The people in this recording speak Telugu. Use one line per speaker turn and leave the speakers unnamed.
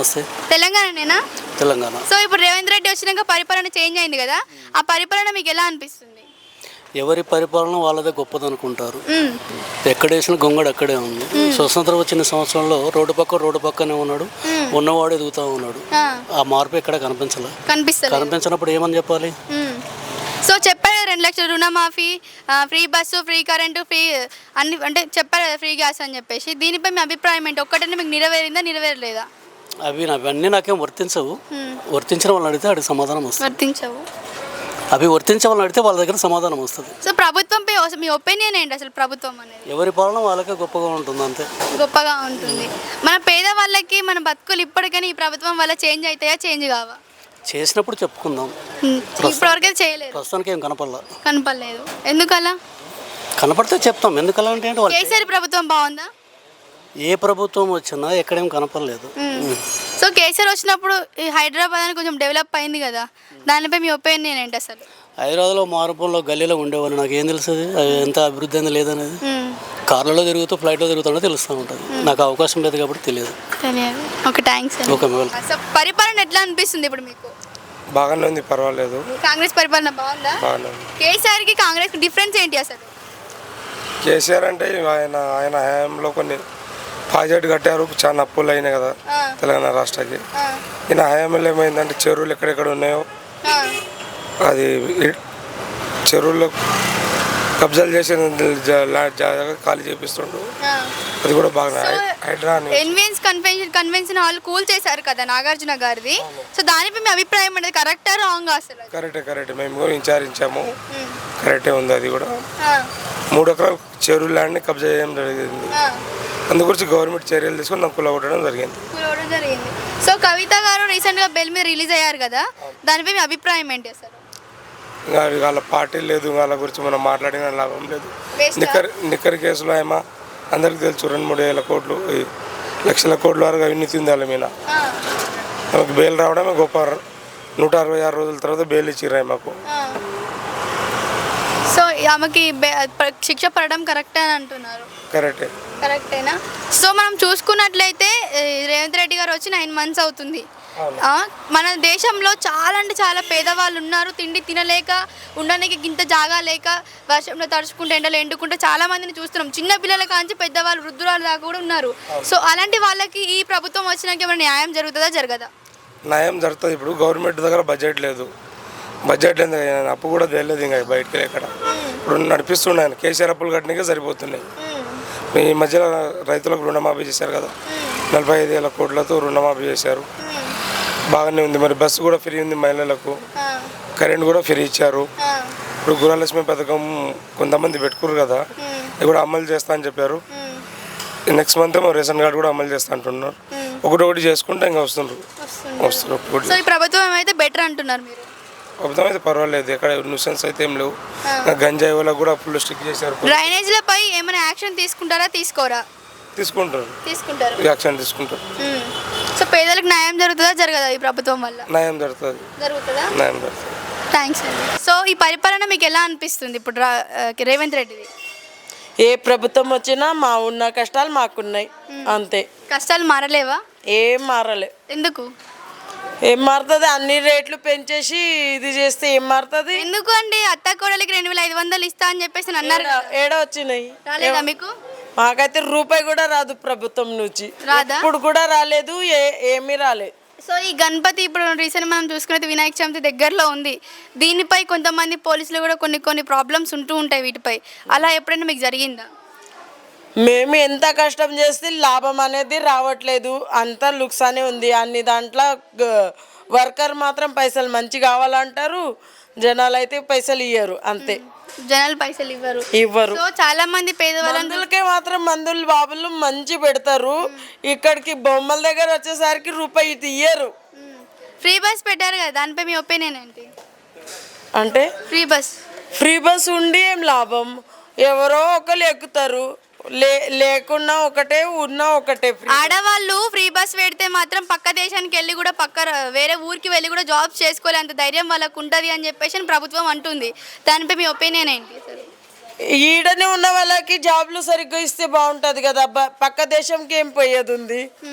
నమస్తే.
తెలంగాణనేనా?
తెలంగాణ.
సో ఇప్పుడు రేవంత్ రెడ్డి వచ్చినాక పరిపాలన చేంజ్ అయింది కదా, ఆ పరిపాలన మీకు ఎలా అనిపిస్తుంది?
ఎవరి పరిపాలన వాళ్ళదే గొప్పదనుకుంటారు. ఎక్కడేసిన గొంగడు అక్కడే ఉంది. స్వతంత్రం వచ్చిన సంవత్సరంలో రోడ్డు పక్కనే ఉన్నాడు, ఉన్నవాడు ఎదుగుతూ ఉన్నాడు. ఆ మార్పు ఎక్కడ కనిపించినప్పుడు ఏమని చెప్పాలి?
సో చెప్పారు 2 లక్షల రుణమాఫీ, free bus, free current, free అన్ని అంటే చెప్పారు కదా, ఫ్రీ గ్యాస్ అని చెప్పేసి. దీనిపై మీ అభిప్రాయం ఏంటి? ఒక్కటనే మీకు నెరవేరలేదా?
అవన్నీ నాకేం వర్తించవు. వర్తించిన వాళ్ళని అడిగితే అడిగి సమాధానం వస్తుంది.
వర్తించవు.
అవి వర్తించే వాళ్ళని అడిగితే వాళ్ళ దగ్గర సమాధానం వస్తుంది.
సో ప్రభుత్వంపై మీ ఒపీనియన్ ఏంటి? అసలు ప్రభుత్వం అనేది
ఎవరి పాలన వాళ్ళకే గొప్పగా ఉంటుంది, అంతే.
గొప్పగా ఉంటుంది. మన పేదవాళ్ళకి మన బతుకులు ఇప్పటికైనా ఈ ప్రభుత్వం వల్ల చేంజ్ అవుతాయా, చేంజ్ కావా?
చేసినప్పుడు చెప్పుకుందాం.
ఇప్పటివరకు చేయలేదు,
ప్రస్తుతానికి ఏం
కనపడలేదు. ఎందుకలా?
కనపడితే చెప్తాం. ఎందుకలా అంటే
కేసీఆర్ ప్రభుత్వం బాగుందా?
ఏ ప్రభుత్వం వచ్చినా ఎక్కడేం కనపడలేదు.
సో కేసీఆర్ వచ్చినప్పుడు ఈ హైదరాబాద్ అని కొంచెం డెవలప్ అయింది కదా, దానిపై మీ ఒపీనియన్ ఏంటి? అసలు
హైదరాబాద్లో మారుపంలో గల్లీలో ఉండేవాళ్ళు, నాకు ఏం తెలుస్తుంది ఎంత అభివృద్ధి అనేది లేదనేది. కార్లలో తిరుగుతూ ఫ్లైట్లో తిరుగుతుంటే తెలుస్తూ ఉంటుంది. నాకు అవకాశం లేదు కాబట్టి తెలియదు.
Okay, thanks. సో పరిపాలన ఎట్లా అనిపిస్తుంది ఇప్పుడు మీకు?
బాగానే ఉంది, పర్వాలేదు.
కాంగ్రెస్ పరిపాలన బాగుందా? కేసీఆర్కి కాంగ్రెస్కి డిఫరెన్స్ ఏంటి అసలు?
కేసీఆర్ అంటే ఆయన హయాంలో కొన్ని ప్రాజెక్ట్ కట్టారు, చాలా అప్పులు అయినాయి కదా తెలంగాణ రాష్ట్రానికి. ఈయన హయాంలో ఏమైందంటే చెరువులు ఎక్కడెక్కడ ఉన్నాయో అది చెరువుల్లో కబ్జాలు చేసి ఖాళీ చేపిస్తుండు. అది కూడా బాగా హైడ్రా
కన్వెన్షన్ హాల్ కూల్ చేశారు కదా నాగార్జున గారిది. సో దానిపై మీ అభిప్రాయం అనేది కరెక్టా రాంగా? అసలు
కరెక్టే. మేము కూడా విచారించాము, కరెక్టే ఉంది. అది కూడా 3 ఎకరాల చెరువు ల్యాండ్ని కబ్జా చేయడం జరిగింది. అందు గురించి గవర్నమెంట్ చర్యలు తీసుకొని నాకు కూలగొట్టడం జరిగింది.
సో కవిత గారు రీసెంట్గా బెయిల్ మీద రిలీజ్ అయ్యారు కదా, దానిపై మీ అభిప్రాయం ఏంటి అసలు?
వాళ్ళ పార్టీ లేదు, వాళ్ళ గురించి మనం మాట్లాడిన లాభం లేదు. నిక్కర్ కేసులో ఏమో అందరికి తెలుసు, 2-3 వేల కోట్లు, లక్షల కోట్ల వరకు అవినీతి ఉంది వాళ్ళ మీద. ఆమెకు బెయిల్ రావడమే గొప్ప. 166 రోజుల తర్వాత బెయిల్ ఇచ్చిర్రు మాకు.
సో ఆమెకి శిక్ష పడడం కరెక్ట్ అని అంటున్నారు. కరెక్టేనా? సో మనం చూసుకున్నట్లయితే రేవంత్ రెడ్డి గారు వచ్చి 9 మంత్స్ అవుతుంది. మన దేశంలో చాలా అంటే చాలా పేదవాళ్ళు ఉన్నారు. తిండి తినలేక, ఉండడానికి ఇంత జాగా లేక, వర్షంలో తడుచుకుంటే, ఎండలు ఎండుకుంటే చాలా మందిని చూస్తున్నాం. చిన్న పిల్లల కాంచి పెద్దవాళ్ళు, వృద్ధురాలు దాకా కూడా ఉన్నారు. సో అలాంటి వాళ్ళకి ఈ ప్రభుత్వం వచ్చినాక ఏమైనా న్యాయం జరుగుతుందా, జరగదా?
న్యాయం జరుగుతుంది. ఇప్పుడు గవర్నమెంట్ దగ్గర బడ్జెట్ లేదు, అప్పు కూడా తెలియదు ఇంకా బయటకి ఎక్కడ. ఇప్పుడు నడిపిస్తున్నాయి కేసీఆర్, అప్పులు కట్టడానికే సరిపోతున్నాయి. ఈ మధ్యలో రైతులకు రుణమాఫీ చేశారు కదా, 45,000 కోట్లతో రుణమాఫీ చేశారు, బాగానే ఉంది. మరి బస్సు కూడా ఫ్రీ ఉంది మహిళలకు, కరెంట్ కూడా ఫ్రీ ఇచ్చారు. ఇప్పుడు గృహలక్ష్మి పథకం కొంతమంది పెట్టుకున్నారు కదా, అది కూడా అమలు చేస్తా అని చెప్పారు. నెక్స్ట్ మంత్ రేషన్ కార్డు కూడా అమలు చేస్తా అంటున్నారు. ఒకటి చేసుకుంటే ఇంకా వస్తున్నారు.
సో ఈ ప్రభుత్వం అయితే బెటర్ అంటున్నారు మీరు?
ప్రభుత్వం అయితే పర్వాలేదు, ఎక్కడ న్యూసెన్స్ అయితే ఏం లేవు. గంజాయి వాళ్ళకు కూడా ఫుల్ స్టిక్ చేశారు.
డ్రైనేజ్లపై ఏమైనా యాక్షన్ తీసుకుంటారా, తీసుకోరా?
తీసుకుంటారు, యాక్షన్ తీసుకుంటారు.
సో పేదలకు న్యాయం జరుగుతుందా, జరగదా ఈ ప్రభుత్వం వల్ల?
న్యాయం జరుగుతుంది.
థ్యాంక్స్ అండి. సో ఈ పరిపాలన మీకు ఎలా అనిపిస్తుంది ఇప్పుడు రేవంత్ రెడ్డిది?
ఏ ప్రభుత్వం వచ్చినా మా ఉన్న కష్టాలు మాకున్నాయి, అంతే. కష్టాలు
మారలేవా?
ఏం మారలే.
ఎందుకు?
ఏం మారుతుంది? అన్ని రేట్లు పెంచేసి ఇది చేస్తే ఏం మారుతుంది?
ఎందుకు అండి? అత్త కోడలికి 2,500 ఇస్తా అని చెప్పేసి అన్నారు.
ఏడ వచ్చినాయి?
రాలేదా మీకు?
మాకైతే రూపాయి కూడా రాదు ప్రభుత్వం నుంచి. ఇప్పుడు కూడా రాలేదు, ఏమీ రాలేదు.
సో ఈ గణపతి ఇప్పుడు రీసెంట్ మనం చూసుకున్నది వినాయక చవితి దగ్గరలో ఉంది. దీనిపై కొంతమంది పోలీసులు కూడా కొన్ని ప్రాబ్లమ్స్ ఉంటూ ఉంటాయి వీటిపై. అలా ఎప్పుడైనా మీకు జరిగిందా?
మేము ఎంత కష్టం చేస్తే లాభం అనేది రావట్లేదు, అంతా లుక్సానే ఉంది. అన్ని దాంట్లో వర్కర్ మాత్రం పైసలు మంచి కావాలంటారు, జనాలు అయితే పైసలు ఇయ్యరు, అంతే.
జనాలు పైసలు ఇవ్వరు. సో చాలా మంది
పేదవాళ్ళకే మాత్రం మందులు బాబులు మంచి పెడతారు. ఇక్కడికి బొమ్మల దగ్గర వచ్చేసరికి రూపాయి ఇయ్యరు.
ఫ్రీ బస్ పెట్టారు కదా, దానిపై మీ ఒపీనియన్ ఏంటి?
అంటే ఫ్రీ బస్ ఉండి ఏం లాభం? ఎవరో ఒకరు ఎక్కుతారు, లేకున్నా ఒకటే, ఉన్నా ఒకటే.
ఆడవాళ్ళు ఫ్రీ బస్ పెడితే మాత్రం పక్క దేశానికి వెళ్ళి కూడా వేరే ఊరికి వెళ్ళి కూడా జాబ్స్ చేసుకోలే అంత ధైర్యం వాళ్ళకు ఉంటుంది అని చెప్పేసి ప్రభుత్వం అంటుంది. దానిపై మీ ఒపీనియన్ ఏంటి?
ఈడనే ఉన్న వాళ్ళకి జాబ్లు సరిగ్గా ఇస్తే బాగుంటుంది కదా, పక్క దేశంకి ఏం పోయేది ఉంది?